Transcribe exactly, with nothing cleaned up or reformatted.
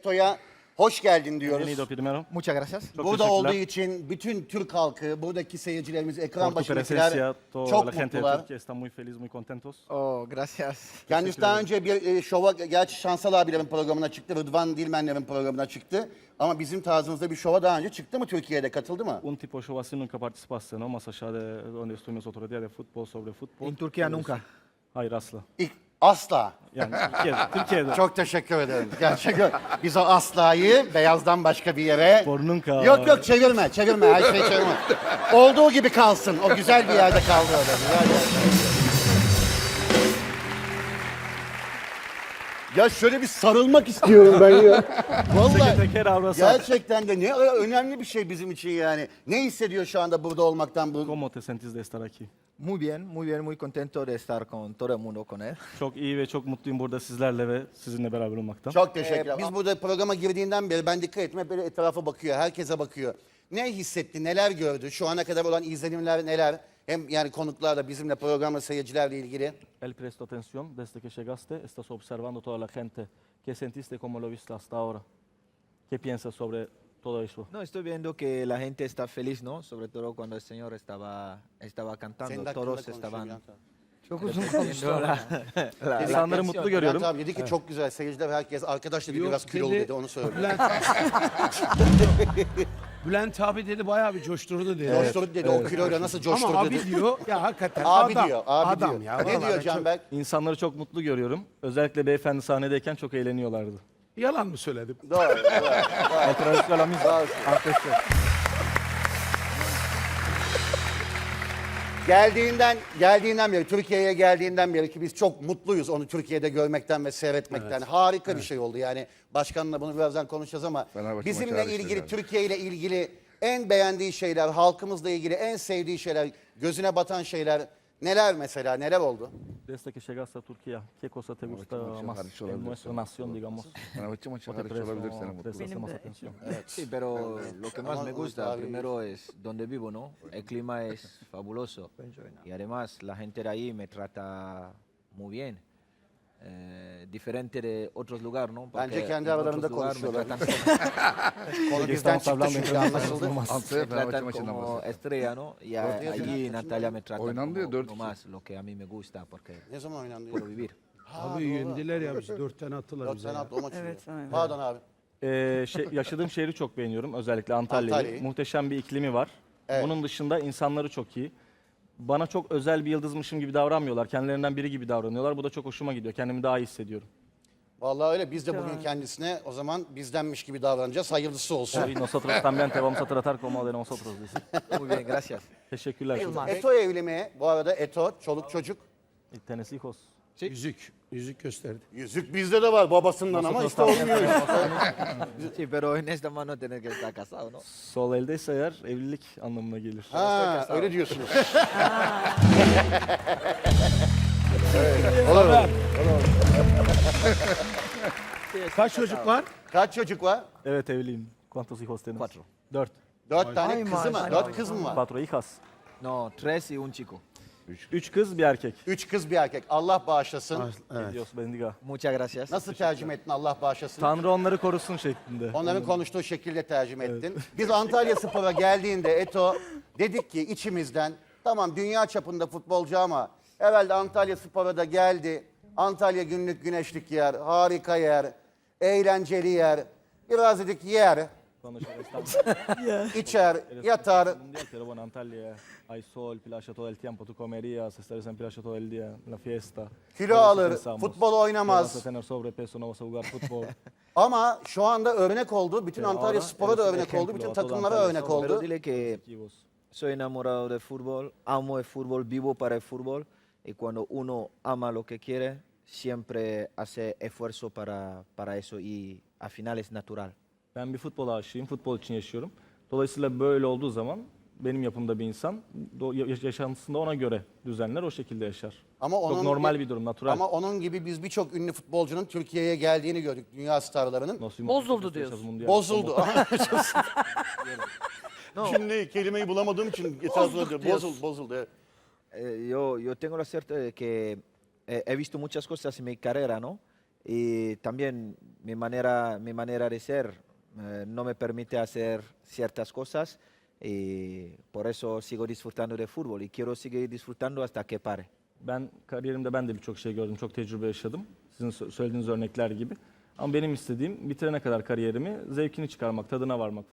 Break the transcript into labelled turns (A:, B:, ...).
A: Eto'ya hoş geldin diyoruz.
B: Bienvenido primero.
C: Muchas gracias.
B: Çok
A: Burada
B: teşekkürler.
A: olduğu için bütün Türk halkı, buradaki seyircilerimiz, ekran
B: Por tu
A: başındakiler
B: presencia, toda
A: çok
B: la gente de
A: mutlular.
B: Turquía está muy feliz, muy contentos.
C: Oh, gracias.
A: Kendisi daha önce bir e, şova, gerçi Şansal abilerin programına çıktı, Rıdvan Dilmenlerin programına çıktı. Ama bizim tarzımızda bir şova daha önce çıktı mı Türkiye'de, katıldı mı?
B: Un tipo de show así nunca participaste, ¿no? Más allá de donde estuvimos otro día de fútbol, sobre fútbol.
C: En Turquía nunca.
B: Hayır asla.
A: İlk, asla.
B: Yani Türkiye'de. Türkiye'de.
A: Çok teşekkür ederim. Gerçekten biz o aslayı beyazdan başka bir yere...
B: Por nunca.
A: Yok yok çevirme, çevirme, her şeyi çevirme. Olduğu gibi kalsın, o güzel bir yerde kaldı öyle, güzel bir yerde. Ya şöyle bir sarılmak istiyorum ben ya. Vallahi
B: Teker abrazar.
A: gerçekten de ne önemli bir şey bizim için yani. Ne hissediyor şu anda burada olmaktan bu?
B: ¿Cómo te sentís de estar aquí?
C: Muy bien, muy bien, muy contento de estar con todo el mundo, con él.
B: Çok iyi ve çok mutluyum burada sizlerle ve sizinle beraber olmaktan.
A: Çok teşekkürler. Biz burada programa girdiğinden beri ben dikkat ettim hep böyle etrafa bakıyor, herkese bakıyor. Ne hissetti, neler gördü, şu ana kadar olan izlenimler neler? Hem yani konuklarla, bizimle, programla, seyircilerle ilgili.
B: Él prestó atención desde que llegaste, estás observando toda la gente. ¿Qué sentiste, cómo lo viste hasta ahora? ¿Qué piensas sobre todo eso?
C: No, estoy viendo que la gente está feliz, ¿no? Sobre todo cuando el Señor estaba, estaba cantando,
A: Senin hakkında
C: todos
A: konuşuyor
C: estaban
A: Bülent abi.
D: Çok uzun
C: repitiendo la, la- la
B: İnsanları
C: canción.
B: mutlu
A: Bülent
B: görüyorum.
A: abi dedi ki çok güzel, seyirciler herkes, arkadaş dedi
D: Yok,
A: biraz kilolu
D: dedi.
A: dedi, onu söyledi.
D: Bülent, Bülent abi dedi bayağı bir coşturdu dedi.
A: Coşturdu dedi, o kiloyla nasıl coşturdu
D: Ama abi
A: dedi.
D: diyor ya hakikaten
A: Abi
D: adam,
A: diyor, abi
D: adam
A: diyor.
D: ya.
A: Ne
D: vallahi
A: diyor
D: çok-
A: Canberk?
B: İnsanları çok mutlu görüyorum. Özellikle beyefendi sahnedeyken çok eğleniyorlardı.
D: Yalan mı söyledim?
A: Doğru, doğru.
B: Otra la misma. Arkadaşlar.
A: Geldiğinden, geldiğinden beri, Türkiye'ye geldiğinden beri ki biz çok mutluyuz onu Türkiye'de görmekten ve seyretmekten. Harika bir şey oldu yani. Başkanla bunu birazdan konuşacağız ama
E: Fenerbahçe
A: bizimle
E: maçı hariç
A: ilgili,
E: yani.
A: Türkiye ile ilgili en beğendiği şeyler, halkımızla ilgili en sevdiği şeyler, gözüne batan şeyler neler mesela, neler oldu?
B: Desde que llegaste a Turquía, ¿qué cosa te gusta
E: maçı
B: más
E: hariç
B: en
E: olabilir
B: nuestra
E: sana.
B: nación, digamos?
E: Fenerbahçe maçı
B: ¿O te
E: hariç
B: prestas-
E: olabilir
B: o
E: sana
B: prestas
E: mutluluk.
B: más atención?
C: Sí, pero lo que más me
A: Ama-
C: gusta
A: abi-
C: primero es donde vivo, ¿no? El clima es fabuloso. Y además la gente de ahí me trata muy bien. Eh, diferente de otros lugares, ¿no?
A: Bence
C: Porque
A: kendi
C: en
A: aralarında
C: otros lugares me
A: konuşuyorlar.
C: tratan
A: Konu
B: Que
A: bizden
B: estamos
A: çıktı
B: hablando
A: çünkü
B: entre nosotros
A: anlaşıldı.
B: nomás.
E: Antalya
C: me
E: Fenerbahçe
C: tratan
E: maçından
C: como
E: bahset.
C: estrella, ¿no? Y a-
A: Dört
C: allí en Antalya me tratan
E: Oynandı ya,
C: como
E: dört
C: uno
E: iki.
C: más, lo que a mí me gusta porque
A: Ne zaman oynandı?
C: puedo vivir.
D: Abi yendiler ya bizi. Dört tane attılar
A: Dört
D: bize.
A: sene
D: ya.
A: attı o maçı.
F: Evet, aynen.
A: Pardon abi.
B: Ee, şey, yaşadığım şehri çok beğeniyorum. Özellikle Antalya'yı.
A: Antalya'yı.
B: Muhteşem bir iklimi var.
A: Evet.
B: Bunun dışında insanları çok iyi. Bana çok özel bir yıldızmışım gibi davranmıyorlar. Kendilerinden biri gibi davranıyorlar. Bu da çok hoşuma gidiyor. Kendimi daha iyi hissediyorum.
A: Vallahi öyle. Biz de bugün kendisine o zaman bizdenmiş gibi davranacağız. Hayırlısı olsun.
B: Hoy nosotros también te vamos a tratar como de nosotros. dice.
C: Muy bien, gracias.
B: Teşekkürler.
F: Yılmaz.
A: Eto evli mi? Bu arada Eto, çoluk çocuk.
B: Y tenés hijos.
D: Yüzük. Yüzük gösterdi.
A: Yüzük bizde de var babasından ama işte olmuyor.
C: Sí, pero en esta mano tener que estar casado, ¿no?
B: Sol eldeyse eğer evlilik anlamına gelir.
A: Ha, öyle diyorsunuz.
D: Kaç çocuk var?
A: Kaç çocuk var?
B: Evet evliyim. ¿Cuántos hijos tienes?
C: Cuatro.
B: Dört.
A: Dört tane
F: Ay,
A: kızı mı?
F: maşallah.
A: Dört kız mı var?
B: Cuatro hijas.
C: No, tres y un chico.
B: Üç kız bir erkek.
A: Üç kız bir erkek. Allah bağışlasın.
D: Evet.
B: Dios bendiga.
C: Muchas gracias.
A: Nasıl tercüme ettin Allah bağışlasın?
B: Tanrı onları korusun şeklinde.
A: Onların konuştuğu şekilde tercüme ettin. Biz Antalya Spor'a geldiğinde Eto dedik ki içimizden tamam dünya çapında futbolcu ama herhalde Antalya Spor'a da geldi. Antalya günlük güneşlik yer, harika yer, eğlenceli yer. Biraz dedik yer,
B: Cuando llegué a
A: içer, yatar.
B: Mundial, pero bueno, Antalya hay sol, playa todo el tiempo, tú comerías, estarías en playa todo el día, en la fiesta.
A: Kilo
B: Por eso
A: alır,
B: pensamos,
A: futbol
B: "No vas a
A: oynamaz.
B: tener sobrepeso, no vas a jugar fútbol.
A: Ama şu anda örnek oldu. Bütün
B: Pero
A: Antalya
B: ahora
A: Spor'a da
B: eres un
A: örnek oldu.
B: ejemplo
A: Bütün
B: a toda
A: takımlara
B: Antalya
A: örnek
B: Spor.
C: Pero
A: oldu.
C: dile que
B: Equipos.
C: soy enamorado del fútbol, amo el fútbol, vivo para el fútbol y cuando uno ama lo que quiere, siempre hace esfuerzo para, para eso y al final es natural.
B: Ben bir futbol aşığıyım, futbol için yaşıyorum. Dolayısıyla böyle olduğu zaman benim yapımda bir insan do- ya- yaşantısında ona göre düzenler, o şekilde yaşar.
A: Ama
B: Çok
A: onun
B: normal bir durum, natural.
A: Ama onun gibi biz birçok ünlü futbolcunun Türkiye'ye geldiğini gördük. Dünya starlarının.
B: Nos fuimos
F: Bozuldu
B: a
F: diyorsun.
B: mundial.
A: Bozuldu. Şimdi kelimeyi bulamadığım için etrafında diyor. Bozuldu, bozuldu. Evet.
C: Eh, yo, yo tengo la suerte de que eh, he visto muchas cosas en mi carrera, ¿no? Y también mi manera, mi manera de ser eh, no me permite hacer ciertas cosas y por eso sigo disfrutando de fútbol y quiero seguir disfrutando hasta que pare.
B: Ben kariyerimde ben de birçok şey gördüm, çok tecrübe yaşadım. Sizin sö- söylediğiniz örnekler gibi. Ama benim istediğim bitirene kadar kariyerimi zevkini çıkarmak, tadına varmak.